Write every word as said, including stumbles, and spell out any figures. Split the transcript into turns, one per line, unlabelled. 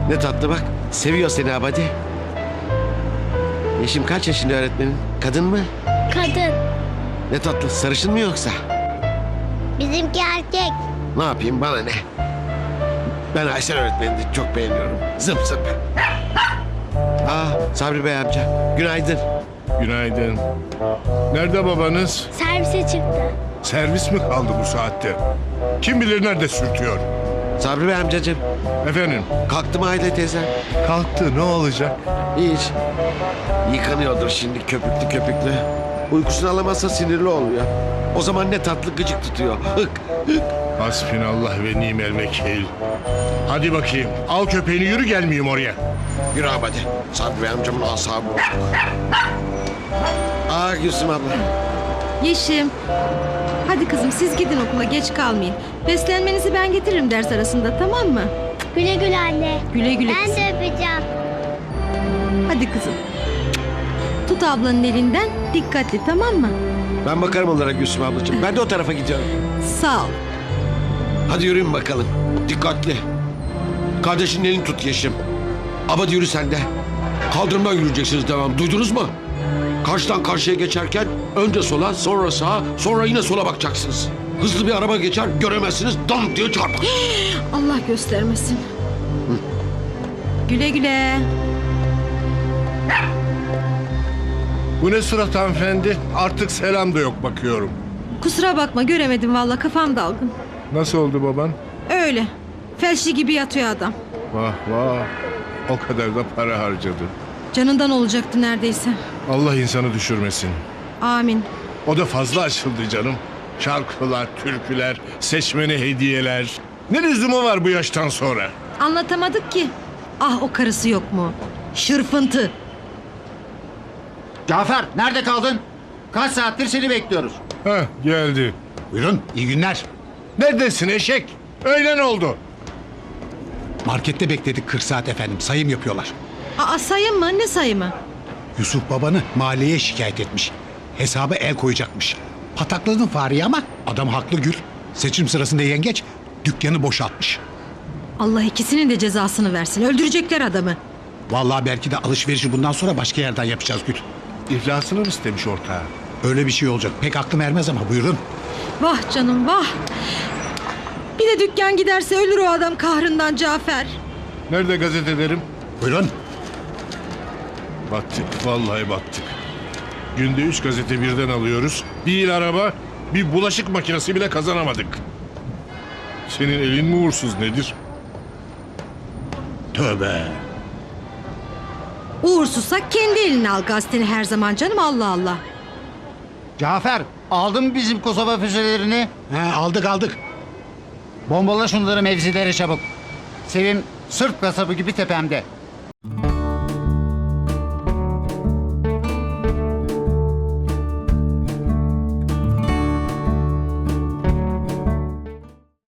Ne tatlı bak. Seviyor seni abadi. Yeşim kaç yaşında öğretmenin? Kadın mı?
Kadın.
Ne tatlı. Sarışın mı yoksa?
Bizimki erkek.
Ne yapayım bana ne? Ben Aysel öğretmenini de çok beğeniyorum. Zıp zıp. Aa Sabri Bey amca. Günaydın.
Günaydın. Nerede babanız?
Servise çıktı.
Servis mi kaldı bu saatte? Kim bilir nerede sürtüyor?
Sabri Bey amcacığım.
Efendim,
Kalktı mı Aile teyze?
kalktı, ne olacak?
Hiç. Yıkanıyordur şimdi köpüklü köpüklü. Uykusunu alamazsa sinirli oluyor. O zaman ne tatlı gıcık tutuyor. Hık hık.
Hasbinallah ve nimel vekil. Hadi bakayım, al köpeğini yürü, gelmeyeyim oraya.
Yürü abadi. Sabri Bey amcamın asabı bozuldu. Aa Gülsüm abla.
Yeşim. Hadi kızım siz gidin okula, geç kalmayın. Beslenmenizi ben getiririm ders arasında, tamam mı?
Güle güle anne.
Güle güle
Ben
kızım.
de öpeceğim.
Hadi kızım. Tut ablanın elinden, dikkatli, tamam mı?
Ben bakarım onlara Gülsüm ablacığım. Ben de o tarafa gidiyorum.
Sağ ol.
Hadi yürüyün bakalım. Dikkatli. Kardeşinin elini tut Yeşim. Abadi yürü sen de. Kaldırımdan yürüyeceksiniz devam. Duydunuz mu? Karşıdan karşıya geçerken önce sola, sonra sağa, sonra yine sola bakacaksınız. Hızlı bir araba geçer, göremezsiniz, dam diye çarpar.
Allah göstermesin. Güle güle.
Bu ne surat hanımefendi? Artık selam da yok bakıyorum.
Kusura bakma, göremedim vallahi, kafam dalgın.
Nasıl oldu baban?
Öyle. Felçli gibi yatıyor adam.
Vah vah, o kadar da para harcadı.
Canından olacaktı neredeyse.
Allah insanı düşürmesin.
Amin.
O da fazla açıldı canım. Şarkılar, türküler, seçmene hediyeler. Ne lüzumu var bu yaştan sonra?
Anlatamadık ki. Ah, o karısı yok mu? Şırfıntı.
Cafer nerede kaldın? Kaç saattir seni bekliyoruz.
Heh, geldi.
Buyurun, iyi günler.
Neredesin eşek? Öğlen oldu.
Markette bekledik kırk saat efendim, sayım yapıyorlar.
Aa, sayım mı? Ne sayımı?
Yusuf babanı mahalleye şikayet etmiş. Hesaba el koyacakmış. Patakladın fareyi ama adam haklı Gül. Seçim sırasında yengeç dükkanı boşaltmış.
Allah ikisinin de cezasını versin. Öldürecekler adamı.
Vallahi belki de alışverişi bundan sonra başka yerden yapacağız Gül.
İflasını mı istemiş ortağı?
Öyle bir şey olacak. Pek aklım ermez ama buyurun.
Vah canım vah. Bir de dükkan giderse ölür o adam kahrından Cafer.
Nerede gazetelerim?
Buyurun.
Battık, vallahi battık. Günde üç gazete birden alıyoruz. Bir il araba, bir bulaşık makinesi bile kazanamadık. Senin elin mi uğursuz nedir?
Tövbe.
Uğursuzsa kendi eline al gazeteni her zaman canım, Allah Allah.
Cafer, aldın mı bizim Kosova füzelerini?
He, aldık aldık.
Bombala şunları mevzilere çabuk. Sevim Sırp kasabı gibi tepemde.